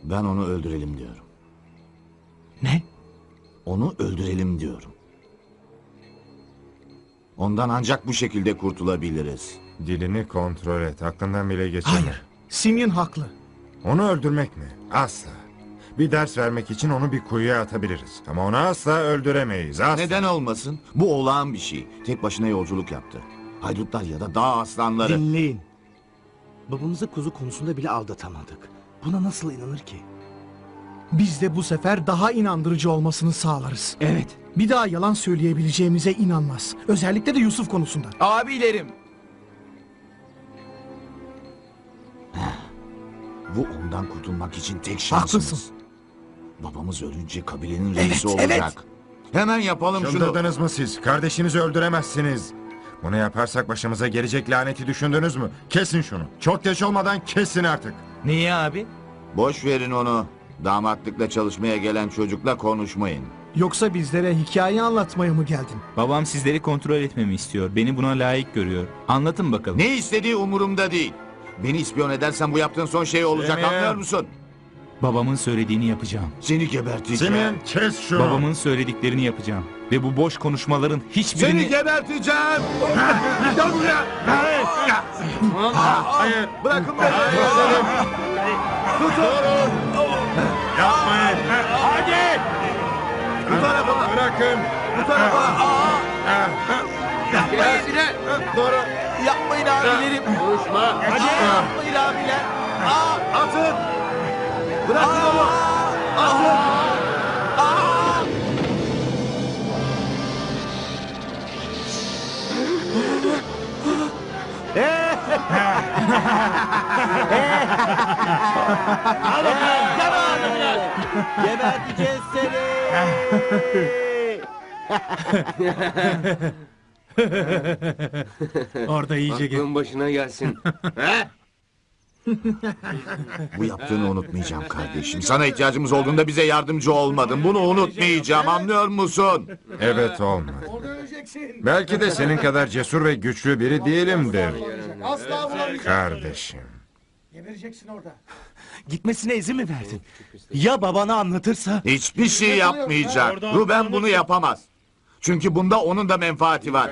Ben onu öldürelim diyorum. Ne? Onu öldürelim diyorum. Ondan ancak bu şekilde kurtulabiliriz. Dilini kontrol et. Aklından bile geçirme. Hayır. Simeon haklı. Onu öldürmek mi? Asla. Bir ders vermek için onu bir kuyuya atabiliriz. Ama onu asla öldüremeyiz. Asla. Neden olmasın? Bu olağan bir şey. Tek başına yolculuk yaptı. Haydutlar ya da dağ aslanları. Dinleyin. Babamızı kuzu konusunda bile aldatamadık. Buna nasıl inanır ki? Biz de bu sefer daha inandırıcı olmasını sağlarız. Evet. Bir daha yalan söyleyebileceğimize inanmaz. Özellikle de Yusuf konusunda. Abilerim. Bu ondan kurtulmak için tek şansımız. Haklısın. Babamız ölünce kabilenin reisi Evet, olacak. Hemen yapalım şunu. Çıldırdınız mı siz? Kardeşinizi öldüremezsiniz. Bunu yaparsak başımıza gelecek laneti düşündünüz mü? Kesin şunu. Çok geç olmadan kesin artık. Niye abi? Boş verin onu. Damatlıkla çalışmaya gelen çocukla konuşmayın. Yoksa bizlere hikaye anlatmaya mı geldin? Babam sizleri kontrol etmemi istiyor. Beni buna layık görüyor. Anlatın bakalım. Ne istediği umurumda değil. Beni ispiyon edersen bu yaptığın son şey olacak, Simeon. anlıyor musun? Babamın söylediğini yapacağım. Seni geberteceğim. Simeon kes şunu. Babamın söylediklerini yapacağım. Ve bu boş konuşmaların hiçbirini... Seni geberteceğim. Gel buraya. Hayır. Bırakın beni. Yapmayın. Hadi. Bu tarafa. Bırakın. Bu tarafa. Doğru. Yapmayın abilerim. Hadi. Yapmayın abiler. Atın. Bırakın onu. Atın. Geberteceğiz seni. Orada iyice Aklın başına gelsin. Bu yaptığını unutmayacağım kardeşim. Sana ihtiyacımız olduğunda bize yardımcı olmadın. Bunu unutmayacağım, anlıyor musun? Evet olmadı. Belki de senin kadar cesur ve güçlü biri değilimdir. Kardeşim. Gitmesine izin mi verdin? Ya babana anlatırsa? Hiçbir şey yapmayacak. Ruben bunu yapamaz. Çünkü bunda onun da menfaati var.